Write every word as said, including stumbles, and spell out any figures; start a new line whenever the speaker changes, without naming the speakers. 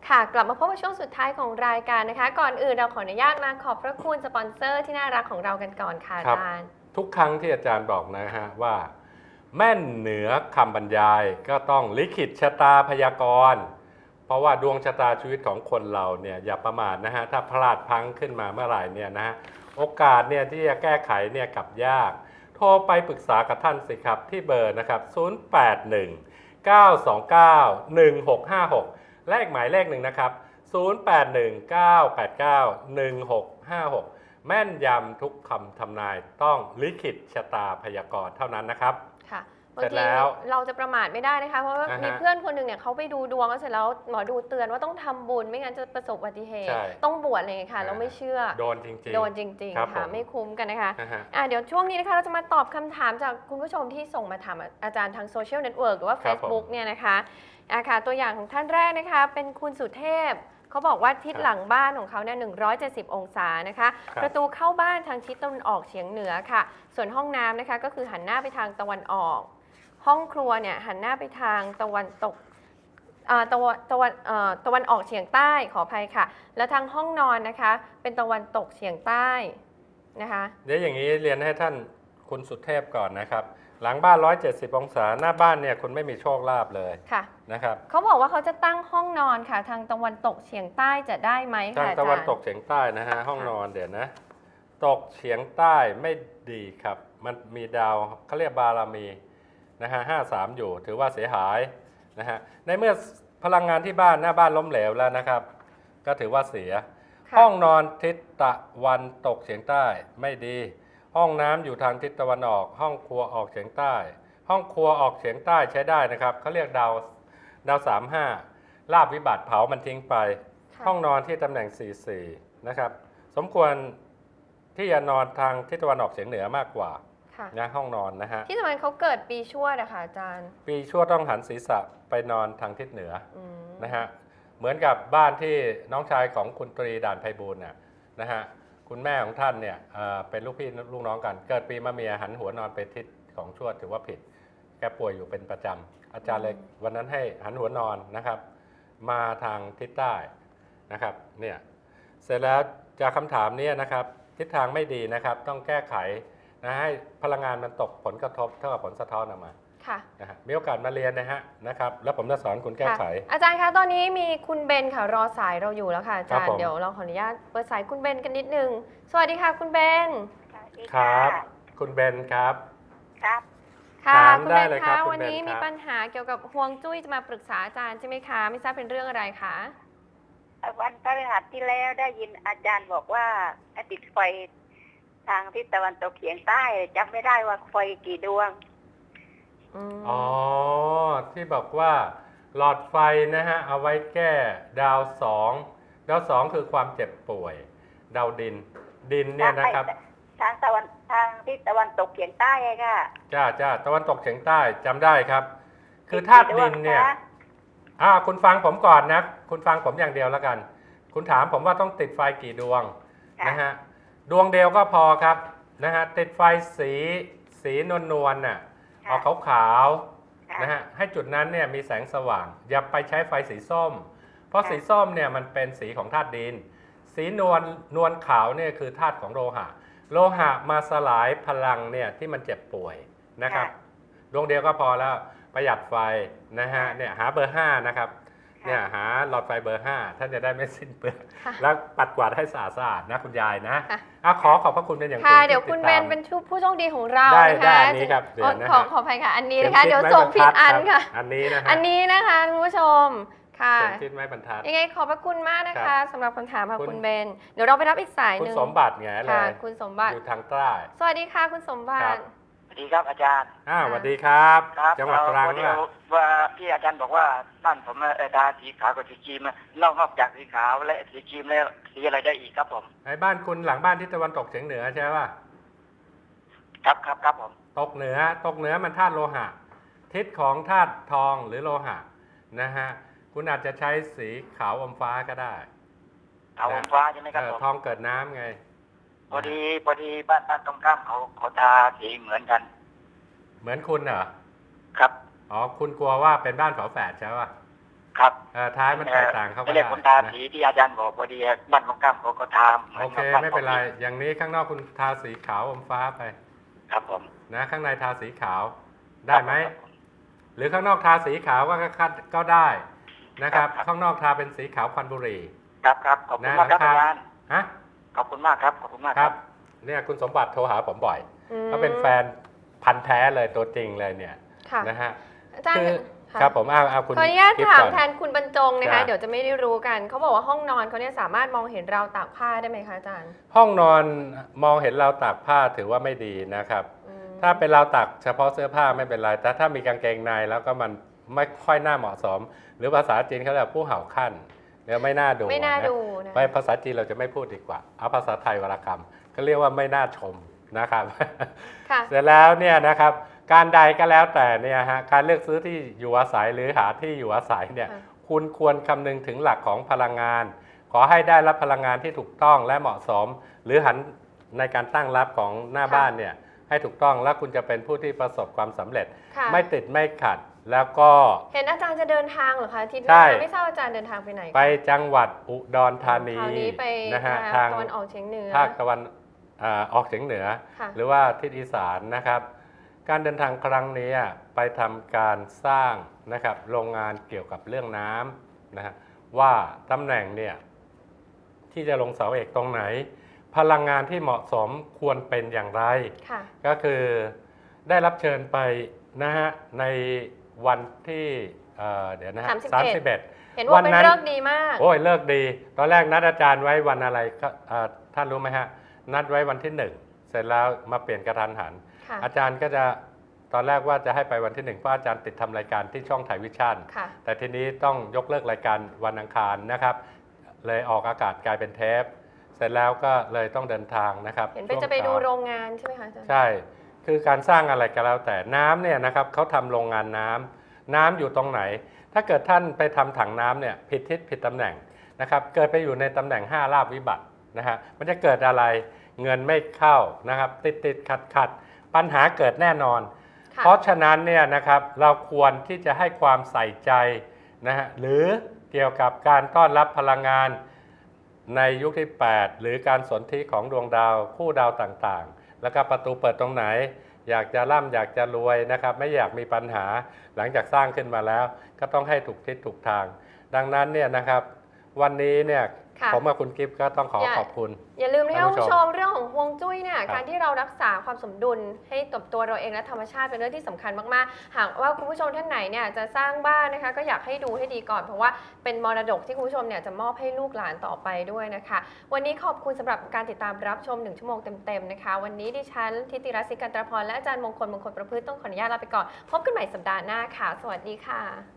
ค่ะกลับมาพบกับช่วงสุดท้ายของรายการนะคะก่อนอื่นเราขออนุญาตมาขอบพระคุณสปอนเซอร์ที่น่ารักของเรากันก่อนค่ะอาจารย์
ทุกครั้งที่อาจารย์บอกนะฮะว่าแม่นเหนือคำบรรยายก็ต้องลิขิตชะตาพยากรณ์เพราะว่าดวงชะตาชีวิตของคนเราเนี่ยอย่าประมาทนะฮะถ้าพลาดพลั้งขึ้นมาเมื่อไหร่เนี่ยนะฮะโอกาสเนี่ยที่จะแก้ไขเนี่ยกลับยากโทรไปปรึกษากับท่านสิครับที่เบอร์นะครับศูนย์ แปด หนึ่ง เก้า สอง เก้า หนึ่ง หก ห้า หกและอีกหมายเลขหนึ่งนะครับศูนย์ แปด หนึ่ง เก้า แปด เก้า หนึ่ง หก ห้า หกแม่นยำทุกคำทำนายต้องลิขิตชะตาพยากรณ์เท่านั้นนะครับ
ค่ะบางทีเราจะประมาทไม่ได้นะคะเพราะว่ามีเพื่อนคนหนึ่งเนี่ยเขาไปดูดวงแล้วเสร็จแล้วหมอดูเตือนว่าต้องทำบุญไม่งั้นจะประสบอุบัติเหตุต้องบวชเลยค่ะเราไม่เชื่อ
โดนจริงๆ
โดนจริงๆค่ะไม่คุ้มกันนะคะ
ะ
เดี๋ยวช่วงนี้นะคะเราจะมาตอบคำถามจากคุณผู้ชมที่ส่งมาถามอาจารย์ทางโซเชียลเน็ตเวิร์กหรือว่า Facebook เนี่ยนะคะอ่ะค่ะตัวอย่างของท่านแรกนะคะเป็นคุณสุเทพเขาบอกว่าทิศหลังบ้านของเขาเนี่ยหนึ่งร้อยเจ็ดสิบองศานะคะประตูเข้าบ้านทางทิศตะวันออกเฉียงเหนือค่ะส่วนห้องน้ำนะคะก็คือหันหน้าไปทางตะวันออกห้องครัวเนี่ยหันหน้าไปทางตะวันตกตะวันตะวันตะวันออกเฉียงใต้ขออภัยค่ะแล้วทางห้องนอนนะคะเป็นตะวันตกเฉียงใต้นะคะ
เดี๋ยวอย่างนี้เรียนให้ท่านคุณสุเทพก่อนนะครับหลังบ้านหนึ่งร้อยเจ็ดสิบองศาหน้าบ้านเนี่ยคุณไม่มีโชคลาภเลย
ค่ะ
นะครับ
เขาบอกว่าเขาจะตั้งห้องนอนค่ะทางตะวันตกเฉียงใต้จะได้ไหมคะ
ทางตะวันตกเฉียงใต้นะฮะห้องนอนเดี๋ยวนะตกเฉียงใต้ไม่ดีครับมันมีดาวเขาเรียกบารมีนะฮะห้าสามอยู่ถือว่าเสียหายนะฮะในเมื่อพลังงานที่บ้านหน้าบ้านล้มเหลวแล้วนะครับก็ถือว่าเสียห้องนอนทิศตะวันตกเฉียงใต้ไม่ดีห้องน้ำอยู่ทางทิศตะวันออกห้องครัวออกเฉียงใต้ห้องครัวออกเฉียงใต้ใช้ได้นะครับเขาเรียกดาวดาวสามห้าลาภวิบัติเผามันทิ้งไปห้องนอนที่ตำแหน่งสี่สิบสี่นะครับสมควรที่จะนอนทางทิศตะวันออกเฉียงเหนือมากกว่านะห้องนอนนะฮะ
ที่สำคัญเขาเกิดปีชวดนะคะอาจารย์
ปีชวดต้องหันศีรษะไปนอนทางทิศเหนือนะฮะเหมือนกับบ้านที่น้องชายของคุณตรีด่านไพบูลย์นะฮะคุณแม่ของท่านเนี่ยเป็นลูกพี่ลูกน้องกันเกิดปีมะเมียหันหัวนอนไปทิศของชวดถือว่าผิดแกป่วยอยู่เป็นประจำอาจารย์เลยวันนั้นให้หันหัวนอนนะครับมาทางทิศใต้นะครับเนี่ยเสร็จแล้วจากคำถามนี้นะครับทิศทางไม่ดีนะครับต้องแก้ไขนะให้พลังงานมันตกผลกระทบเท่ากับผลสะท้อนออกมา
ค่ะ
นะฮะมีโอกาสมาเรียนนะฮะนะครับแล้วผมจะสอนคุณแก้ไข
อาจารย์คะตอนนี้มีคุณเบนค่ะรอสายเราอยู่แล้วค่ะอาจารย์เดี๋ยวเราขออนุญาตเปิดสายคุณเบนกันนิดนึงสวัสดีค่ะคุณเบน
ครับคุณเบนครับ
ครับ
ค่ะคุณเบนคะวันนี้มีปัญหาเกี่ยวกับฮวงจุ้ยจะมาปรึกษาอาจารย์ใช่ไหมคะไม่ทราบเป็นเรื่องอะไรคะ
วันพฤหัสที่แล้วได้ยินอาจารย์บอกว่าติดไฟทางทิศตะวันตกเฉียงใต้จำไม่ได้ว่าไฟกี่ดวง
อ๋อที่บอกว่าหลอดไฟนะฮะเอาไว้แก้ดาวสองดาวสองคือความเจ็บป่วยดาวดินดินเนี่ยนะครับ
ทางตะวันทางทิศตะวันตกเฉียงใต้ค่ะ
จ้าจ้าตะวันตกเฉียงใต้จำได้ครับคือธาตุดินเนี่ยอ่าคุณฟังผมก่อนนะคุณฟังผมอย่างเดียวแล้วกันคุณถามผมว่าต้องติดไฟกี่ดวงนะฮะดวงเดียวก็พอครับนะฮะติดไฟสีสีนวลนวลน่ะออกขาวๆนะฮะให้จุดนั้นเนี่ยมีแสงสว่างอย่าไปใช้ไฟสีส้มเพราะสีส้มเนี่ยมันเป็นสีของธาตุดินสีนวลนวลขาวเนี่ยคือธาตุของโลหะโลหะมาสลายพลังเนี่ยที่มันเจ็บป่วยนะครับดวงเดียวก็พอแล้วประหยัดไฟนะฮะเนี่ยหาเบอร์ห้านะครับเนี่ยหาหลอดไฟเบอร์ห้าท่านจะได้ไม่สิ้นเปลืองแล้วปัดกวาดให้สะอาดสะอาดนะคุณยายนะอ่ะขอขอบพระคุณเป็นอย่างสูง
ค่ะเดี๋ยวคุณเบนเป็นผู้โชคดีของเรา
นะคะได้อันนี้ครับเดี๋ยวนะ
ขอขออภัยค่ะอันนี้นะคะเดี๋ยวส่งผิดอันค่ะ
อันนี้นะ
อันนี้นะคะคุณผู้ชมค่ะ
คิดไม่บรรทัด
ยังไงขอบพระคุณมากนะคะสำหรับคำถามค่ะคุณเบนเดี๋ยวเราไปรับอีกสายหนึ่ง
คุณสมบัติไงเลย
คุณสมบัติ
อยู่ทางใต้
สวัสดีค่ะคุณสมบัติ
สวัสดีครับอาจารย์
อ่าสวัสดีครับจังหวัดตรัง
ว่าว่าที่อาจารย์บอกว่าบ้านผมตาสีขาวกับสีครีมนอกนอกจากสีขาวและสีครีมแล้วสีอะไรได้อีกครับผม
ไอ้บ้านคุณหลังบ้านทิศตะวันตกเฉียงเหนือใช่ป่ะ
ครับครับครับผม
ตกเหนือตกเหนือมันธาตุโลหะทิศของธาตุทองหรือโลหะนะฮะคุณอาจจะใช้สีขาวอมฟ้าก็ได้
ขาวอมฟ้าใช่ไหมครับผม
ทองเกิดน้ำไง
พอดีพอดีบ้านบ้านตรงข้ามเขาเขาทาสีเหมือนกัน
เหมือนคุณเหรอ
ครับ
อ๋อคุณกลัวว่าเป็นบ้านฝาแฝดใช่ป่ะ
ครับ
เอ่อท้ายมันแตกต่างเข้า
ไม่
ก็
เรีย
ได้
กคนทา
นะ
สีที่อาจารย์บอกพอดีบ้านของก้ามเขาก็ทำ
โอเคไม่เป็นไรอย่างนี้ข้างนอกคุณทาสีขาวอมฟ้าไป
ครับผม
นะข้างในทาสีขาวได้ไหมหรือข้างนอกทาสีขาวก็ก็ได้นะครับข้างนอกทาเป็นสีขาวควันบุหรี่
ครับครับขอบคุณมากครับอาจารย์
ฮะ
ขอบคุณมากครับขอบคุณมาก
ค
ค
รั
รั
บบ เนี่ยคุณสมบัติโทรหาผมบ่อย
อืม
เขาเป็นแฟนพันธุ์แท้เลยตัวจริงเลยเนี่ย
ค่ะ
นะฮะ
อาจารย์
คือ
ค่ะ
ครับผมเอาเอาคุณ
ขออนุญาต
กิ๊บ
ถาม
ก่อน
แทนคุณบรรจงนะคะ
จ้ะ
เดี๋ยวจะไม่ได้รู้กัน เขาบอกว่าห้องนอนเขาเนี่ยสามารถมองเห็นราวตากผ้าได้ไหมคะอาจารย์
ห้องนอนมองเห็นราวตากผ้าถือว่าไม่ดีนะครับ
อืม
ถ้าเป็นราวตากเฉพาะเสื้อผ้าไม่เป็นไร แต่ถ้ามีกางเกงในแล้วก็มันไม่ค่อยน่าเหมาะสม หรือภาษาจีนเขาเรียกผู้เห่าขั้นเนี่ยไม่น่าดู
ไม่น่า
ะ
ดูนะ
ไปภาษาจีนเราจะไม่พูดดีกว่า เอาภาษาไทยวรรณกรรมก็เรียกว่าไม่น่าชมนะครับ
ค่ะ
เสร็จแล้วเนี่ยนะครับการใดก็แล้วแต่เนี่ยฮะการเลือกซื้อที่อยู่อาศัยหรือหาที่อยู่อาศัยเนี่ย
ค่ะ
คุณควรคำนึงถึงหลักของพลังงาน ขอให้ได้รับพลังงานที่ถูกต้องและเหมาะสม หรือหันในการตั้งรับของหน้าบ้านเนี่ยให้ถูกต้องแล้วคุณจะเป็นผู้ที่ประสบความสำเร็จ
ค่ะ
ไม่ติดไม่ขัดแล้วก็
เห็นอาจารย์จะเดินทางเหรอคะอาทิตย์ห
ใช่
น้าไม่ทราบอาจารย์เดินทางไปไหนคะ
ไปจังหวัดอุดรธานี
คราวนี้ไป
นะฮะ
ทา
ทาง ง
ตะวันออกเฉียงเหนือ
ภาคตะวันอ่าออกเฉียงเหนือ
ค่ะ
หรือว่าทิศอีสานนะครับ การเดินทางครั้งนี้ไปทำการสร้างนะครับโรงงานเกี่ยวกับเรื่องน้ำนะฮะว่าตำแหน่งเนี่ยที่จะลงเสาเอกตรงไหน พลังงานที่เหมาะสมควรเป็นอย่างไร
ค่ะ
ก็คือได้รับเชิญไปนะฮะในวันที่เอ่อเดี๋ยวนะฮะ
สามสิบเอ็ด
สามสิบเอ็ด
เห็นว่าเป็น
วันนั้น
เลิกษ์ดีมาก
โอ้ยเลิกดี ตอนแรกนัดอาจารย์ไว้วันอะไรก็เอ่อท่านรู้ไหมฮะ นัดไว้วันที่หนึ่งเสร็จแล้วมาเปลี่ยนกระทันหัน
ค่ะ
อาจารย์ก็จะตอนแรกว่าจะให้ไปวันที่หนึ่งเพราะอาจารย์ติดทำรายการที่ช่องไทยวิชั่น
ค่ะ
แต่ทีนี้ต้องยกเลิกรายการวันอังคารนะครับ เลยออกอากาศกลายเป็นเทป เสร็จแล้วก็เลยต้องเดินทางนะครับ
เห็นไปจะไปดูโรงงานใช่ไหมคะอาจารย์
ใช่ คือการสร้างอะไรก็แล้วแต่น้ำเนี่ยนะครับเขาทำโรงงานน้ำน้ำอยู่ตรงไหน ถ้าเกิดท่านไปทำถังน้ำเนี่ยผิดทิศผิดตำแหน่งนะครับ เกิดไปอยู่ในตำแหน่งห้าราบวิบัตินะฮะมันจะเกิดอะไรเงินไม่เข้านะครับ ติดติดขัดขัดปัญหาเกิดแน่นอน
ค่ะ
เพราะฉะนั้นเนี่ยนะครับเราควรที่จะให้ความใส่ใจนะฮะหรือเกี่ยวกับการต้อนรับพลังงานในยุคที่แปดหรือการสนธิของดวงดาวคู่ดาวต่างๆ แล้วก็ประตูเปิดตรงไหน อยากจะร่ำอยากจะรวยนะครับไม่อยากมีปัญหาหลังจากสร้างขึ้นมาแล้ว ก็ต้องให้ถูกทิศถูกทาง ดังนั้นเนี่ยนะครับวันนี้เนี่ย
ค่ะ
ผมกับคุณกิฟต์ก็ต้องขอ
อย่า
ขอบคุณ
อย่าลืมนะคะ
ท่าน
คุณ
ผู้ชม
ผู้ชมเรื่องของฮวงจุ้ยเนี่ย
ครับ
การที่เรารักษาความสมดุลให้กับตัวเราเองและธรรมชาติเป็นเรื่องที่สำคัญมากๆหากว่าคุณผู้ชมท่านไหนเนี่ยจะสร้างบ้านนะคะก็อยากให้ดูให้ดีก่อนเพราะว่าเป็นมรดกที่คุณผู้ชมเนี่ยจะมอบให้ลูกหลานต่อไปด้วยนะคะ วันนี้ขอบคุณสำหรับการติดตามรับชมหนึ่งชั่วโมงเต็มๆนะคะวันนี้ดิฉันทิติรัตน์ศิกันตรพรและอาจารย์มงคลมงคลประพฤติต้องขออนุญาตลาไปก่อนพบกันใหม่สัปดาห์หน้าค่ะ สวัสดีค่ะ